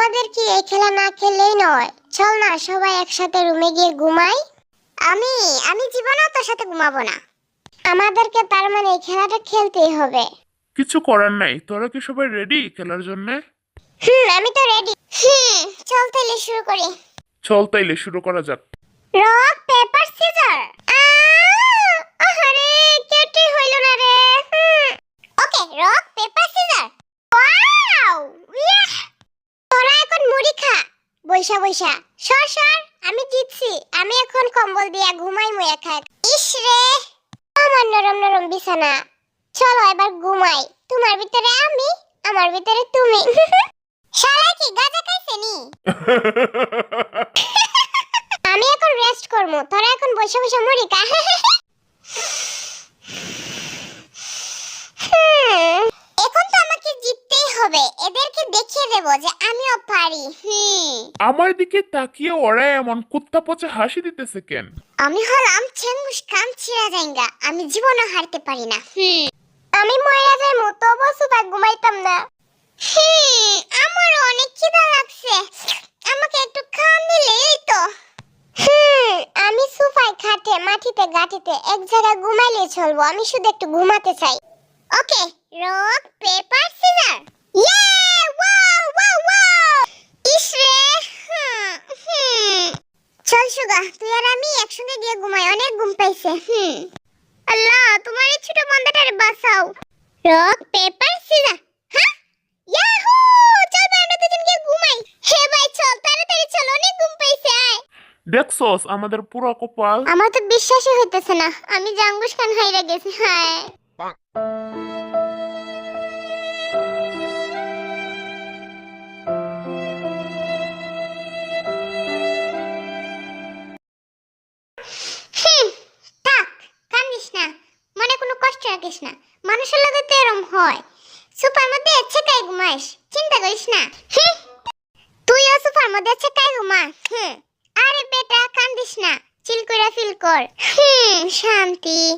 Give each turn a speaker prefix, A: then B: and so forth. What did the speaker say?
A: আমাদের কি এই খেলা না খেললেই নয়? চল না সবাই একসাথে রুমে গিয়ে ঘুমাই। আমি আমি জীবনেও তোর সাথে ঘুমাবো না। আমাদেরকে তার মানে এই খেলাটা খেলতেই হবে।
B: কিছু করার নাই। তোরা কি সবাই রেডি খেলার জন্য?
A: আমি তো রেডি। চল তাহলে শুরু করি।
B: চল তাইলে শুরু করা যাক।
A: Rock paper scissor. আহারে কেটে হইল না রে। Okay, rock paper scissor. Wow! Yeah! তোরা এখন মুড়ি খা। বৈশা বৈশা। সর সর, আমি জিতছি। আমি এখন কম্বল দিয়া ঘুমাই মুয়া খাক। ইস রে, আমার নরম নরম বিছানা। চলো এবার ঘুমাই। তোমার ভিতরে আমি, আমার ভিতরে তুমি। শালা কি গাঁজা খাইছে নি? আমি এখন রেস্ট করব, তোরা এখন বসে বসে মুড়ি খা। এখন তো আমাকে জিততেই হবে। এদেরকে দেখিয়ে দেব যে আমিও পারি।
B: আমার দিকে তাকিয়ে ওরা এমন কুত্তা পচা হাসি দিতেছে কেন?
A: আমি হলাম চেঙ্গুস খান চিরাজাইঙ্গা। আমি জীবনে হারতে পারি না। আমি মরে যাইমু, তবু সুপার ঘুমাইতাম না। আমার অনেক খিদা লাগছে। আমাকে একটু খাওয়ান দিলে এই তো। আমি সোফায় খাটে মাটিতে গাটিতে এক জায়গায় ঘুমাইলে চলবো। আমি শুধু একটু ঘুমাতে চাই। Okay, rock paper scissor. Yay! Wow wow wow! ইসরে! চল সুগা, তুই আর আমি একসঙ্গে গিয়ে ঘুমাই। অনেক ঘুম পাইছে। আল্লাহ, তোমার এই ছোট বান্দাটারে বাঁচাও। Rock paper scissor. হ্যাঁ, ইয়াহু! চল ভাই, আমরা দুজন গিয়ে ঘুমাই। হে ভাই, চল তাড়াতাড়ি চল, অনেক ঘুম পাইছে। আয়।
B: দেখছস আমাদের পুরো কপাল।
A: আমার তো বিশ্বাসই হইতেছে না, আমি জাঙ্গুস খান হাইরা গেছি। হ্যাঁ, থাক, কান্দিস না। মনে কোনো কষ্ট রাখিস না। মানুষের লগে তো এরম হয়। সুপার মধ্যে ছেকাই ঘুমাইস, চিন্তা করিস না। তুইও সুপার মধ্যে ছেকাই ঘুমা। আরে বেটা, কান্দিস না, চিল কইরা ফিল কর। শান্তি।